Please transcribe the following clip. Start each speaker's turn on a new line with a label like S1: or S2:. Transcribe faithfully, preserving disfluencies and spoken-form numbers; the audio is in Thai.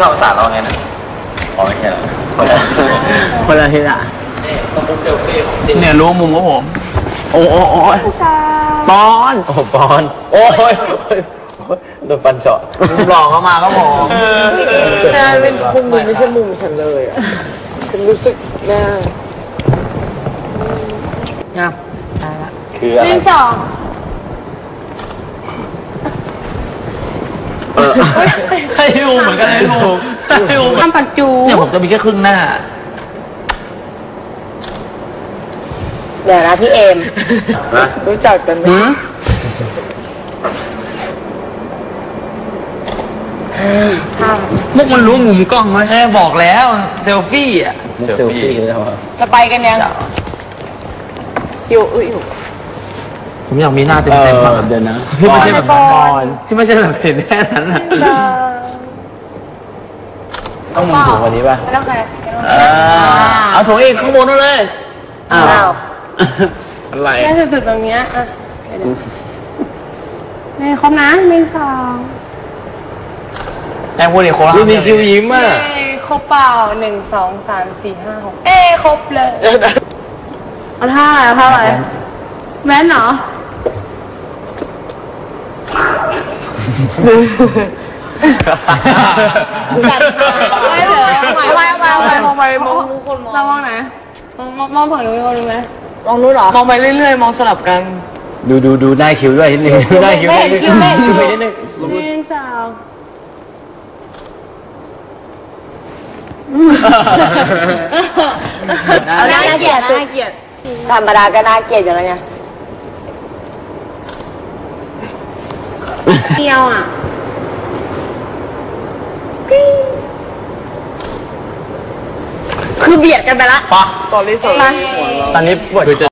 S1: เข้าสารเราไงนะอ๋อไม่ใช่หรอคนละ
S2: คนละทีละ
S1: นี่ต้องเป็นเซลฟี่ของจริง
S2: เนี่ยรู้มุมของผมโอ้โอ้โอ้ปอน
S1: โอ้ปอนโอ้ยโดนปันเจาะมุมหลอกเข้ามาก็ผม
S3: ใช่เป็นมุมไม่ใช่มุมฉันเลยอ่ะฉันรู้สึกแน่
S2: งับ
S1: คืออะไร
S3: นี่ต่อ
S2: ให้ดูเหมือนกันให้ดูให้ดู
S3: ทำปัจจุ
S2: เนี่ยผมจะมีแค่ครึ่งหน้า
S3: เดี๋ยวนะพี่เอมรู้จักกันไหม
S2: มุกมันรู้มุมกล้องไหมแค่บอกแล้วเซลฟี่อ่ะ
S1: เซลฟี่แล้ว
S3: จะไปกันยังคิวอุ้ย
S2: ผมอยากมีหน้าเต็มเต็มมาก
S1: เดี๋ยวนะ
S2: ที่ไม่ใช่แบบบอลที่ไม่ใช่แบบเห็นแค่นั้นอ่ะ
S1: ต้องมุมสูงกว่านี้ป่ะ
S3: ไม่ต้องใคร
S2: เอาสูงอีกข้างบนนั่นเลย
S3: อ้าว
S2: อะไร
S3: แค่สุดๆตรงเนี้ยอ่ะนี่ครบนะหนึ่งสอง
S2: แองพูดดิโคราช
S1: มีคิวยิ้มอ่ะ
S3: ครบเปล่าหนึ่งสองสามสี่ห้าหกเอ้ครบเลยเอาท่าอะไรท่าอะไรแม่นเหรอจัดไม่เลยไม่ไม่ไม่ไม่มองไปมองทุกคนมองมองไหนมองมองฝั่งนู้นมองดูไหมมองนู้นเหรอมองไปเรื่อยๆมองสลับกัน
S1: ดูดูดูได้คิวด้วยนิดนึงได้คิว
S3: ไม่เห็นคิวไม่เห็นคิว
S1: นิดนึง
S3: หนึ่งสองน่าเกลียดน่าเกลียดธรรมดาก็น่าเกลียดอย่างไรไงเที่ยวอ่ะคือเบียดกันไปละ
S2: ปะ
S3: ตอนนี้สอน
S2: ตอนนี้ปวด